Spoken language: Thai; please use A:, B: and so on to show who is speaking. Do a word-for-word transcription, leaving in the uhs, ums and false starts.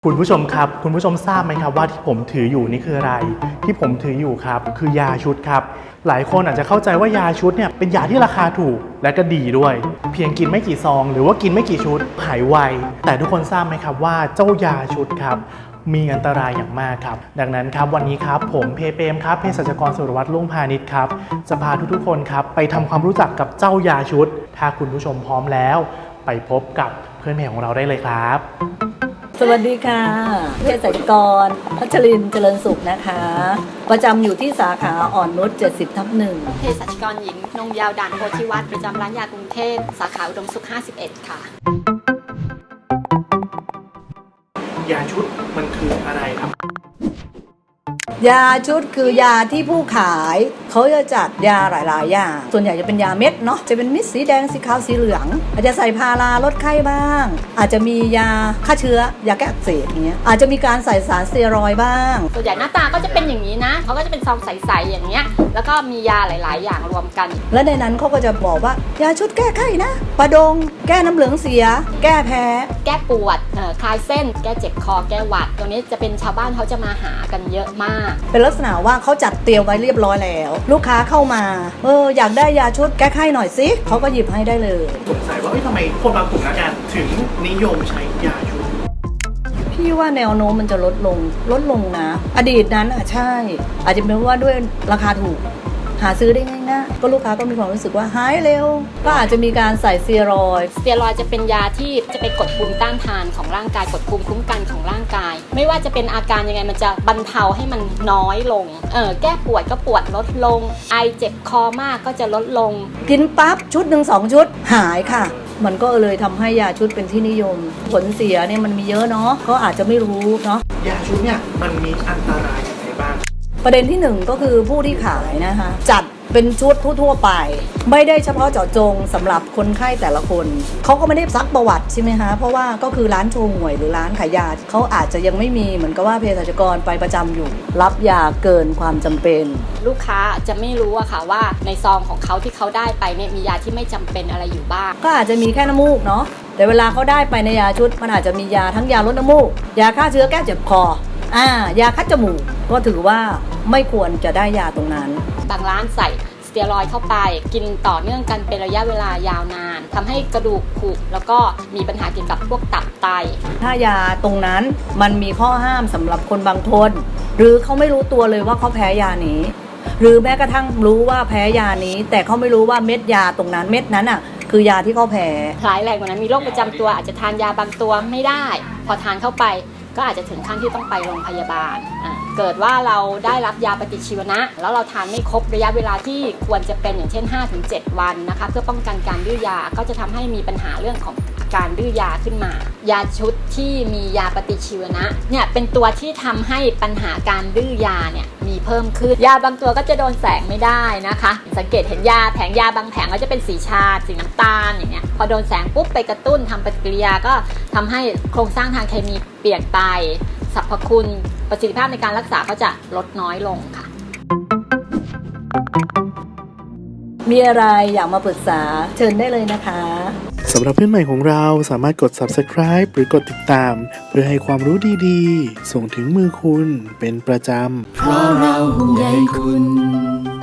A: คุณผู้ชมครับคุณผู้ชมทราบไหมครับว่าที่ผมถืออยู่นี่คืออะไรที่ผมถืออยู่ครับคือยาชุดครับหลายคนอาจจะเข้าใจว่ายาชุดเนี่ยเป็นยาที่ราคาถูกและก็ดีด้วยเพียงกินไม่กี่ซองหรือว่ากินไม่กี่ชุดหายไวแต่ทุกคนทราบไหมครับว่าเจ้ายาชุดครับมีอันตรายอย่างมากครับดังนั้นครับวันนี้ครับผมเพเปมครับเภสัชกรสุรวัตรลุ่งพาณิชย์ครับจะพาทุกๆคนครับไปทำความรู้จักกับเจ้ายาชุดถ้าคุณผู้ชมพร้อมแล้วไปพบกับเพื่อนเพจของเราได้เลยครับ
B: สวัสดีค่ะเภสัชกรพัชรินทร์เจริญสุขนะคะประจำอยู่ที่สาขาอ่อนนุชเจ็ดสิบทับหนึ่ง
C: เภสัชกรหญิงนงยาวด่านโพธิวัฒน์ประจำร้านยากรุงเทพสาขาอุดมสุขห้าสิบเอ็ดค่ะ
A: ยาชุดมันคืออะไรครับ
B: ยาชุดคือยาที่ผู้ขายเขาจะจัดยาหลายๆอย่างส่วนใหญ่จะเป็นยาเม็ดเนาะจะเป็นเม็ดสีแดงสีขาวสีเหลืองอาจจะใส่พาราลดไข้บ้างอาจจะมียาฆ่าเชื้อยาแก้อักเสบอย่างเงี้ยอาจจะมีการใส่สารสเตียรอยด์บ้าง
C: ส่วนใหญ่หน้าตาก็จะเป็นอย่างนี้นะเขาก็จะเป็นซองใสๆอย่างเงี้ยแล้วก็มียาหลายๆอย่างรวมกัน
B: และในนั้นเขาก็จะบอกว่ายาชุดแก้ไข้นะประดงแก้น้ำเหลืองเสียแก้แพ้
C: แก้ปวดคลายเส้นแก้เจ็บคอแก้หวัดตัวนี้จะเป็นชาวบ้านเขาจะมาหากันเยอะมาก
B: เป็นลักษณะว่าเขาจัดเตรียมไว้เรียบร้อยแล้วลูกค้าเข้ามาเอออยากได้ยาชุดแก้ไข้หน่อยสิเขาก็หยิบให้ได้เลย
A: สงสัยว่าทำไมคนบางกลุ่มนักการถึงนิยมใช้ยาชุด
B: พี่ว่าแนวโน้มมันจะลดลงลดลงนะอดีตนั้นอ่ะใช่อาจจะเป็นว่าด้วยราคาถูกหาซื้อได้ง่ายๆก็ลูกค้าก็มีความรู้สึกว่าหายเร็วก็อาจจะมีการใส่สเตียรอยด์
C: สเตียรอยด์จะเป็นยาที่จะไปกดภูมิต้านทานของร่างกายกดภูมิคุ้มกันของร่างกายไม่ว่าจะเป็นอาการยังไงมันจะบรรเทาให้มันน้อยลงเออแก้ปวดก็ปวดลดลงไอเจ็บคอมากก็จะลดลง
B: กินปั๊บชุดหนึ่งสองชุดหายค่ะมันก็เลยทำให้ยาชุดเป็นที่นิยมผลเสียเนี่ยมันมีเยอะเนาะก็อาจจะไม่รู้เนาะ
A: ยาชุดเนี่ยมันมีอันตรายอย่างไรบ้าง
B: ประเด็นที่หนึ่งก็คือผู้ที่ขายนะคะจัดเป็นชุดทั่วๆไปไม่ได้เฉพาะเจาะจงสำหรับคนไข้แต่ละคนเขาก็ไม่ได้ซักประวัติใช่ไหมคะเพราะว่าก็คือร้านโชว์หวยหรือร้านขายยาเขาอาจจะยังไม่มีเหมือนกับว่าเภสัชกรไปประจำอยู่รับยาเกินความจำเป็น
C: ลูกค้าจะไม่รู้อะค่ะว่าในซองของเขาที่เขาได้ไปเนี่ยมียาที่ไม่จำเป็นอะไรอยู่บ้าง
B: ก็อาจจะมีแค่น้ำมูกเนาะแต่เวลาเขาได้ไปในยาชุดมันอาจจะมียาทั้งยาลดน้ำมูกยาฆ่าเชื้อแก้เจ็บคออ่ายาคัดจมูกก็ถือว่าไม่ควรจะได้ยาตรงนั้น
C: บางร้านใส่สเตียรอยด์เข้าไปกินต่อเนื่องกันเป็นระยะเวลายาวนานทำให้กระดูกผุแล้วก็มีปัญหาเกี่ยวกับพวกตับไต
B: ถ้ายาตรงนั้นมันมีข้อห้ามสำหรับคนบางคนหรือเขาไม่รู้ตัวเลยว่าเขาแพ้ยานี้หรือแม้กระทั่งรู้ว่าแพ้ยานี้แต่เขาไม่รู้ว่าเม็ดยาตรงนั้นเม็ดนั้นอ่ะคือยาที่เขาแพ้
C: ร้ายแรงกว่านั้นมีโรคประจำตัวอาจจะทานยาบางตัวไม่ได้พอทานเข้าไปก็อาจจะถึงขั้นที่ต้องไปโรงพยาบาลเกิดว่าเราได้รับยาปฏิชีวนะแล้วเราทานไม่ครบระยะเวลาที่ควรจะเป็นอย่างเช่น ห้าถึงเจ็ด วันนะคะเพื่อป้องกันการดื้อยาก็จะทำให้มีปัญหาเรื่องของการดื้อยาขึ้นมายาชุดที่มียาปฏิชีวนะเนี่ยเป็นตัวที่ทำให้ปัญหาการดื้อยาเนี่ยมีเพิ่มขึ้นยาบางตัวก็จะโดนแสงไม่ได้นะคะสังเกตเห็นยาแผงยาบางแผงก็จะเป็นสีชาสีน้ำตาลอย่างเงี้ยพอโดนแสงปุ๊บไปกระตุ้นทำปฏิกิริยาก็ทำให้โครงสร้างทางเคมีเปลี่ยนไปสรรพคุณประสิทธิภาพในการรักษาก็จะลดน้อยลงค่ะ
B: มีอะไรอยากมาปรึกษาเชิญได้เลยนะคะ
A: สำหรับเพื่อนใหม่ของเราสามารถกด ซับสไครบ์ หรือกดติดตามเพื่อให้ความรู้ดีๆส่งถึงมือคุณเป็นประจำเพราะเราห่วงใยคุณ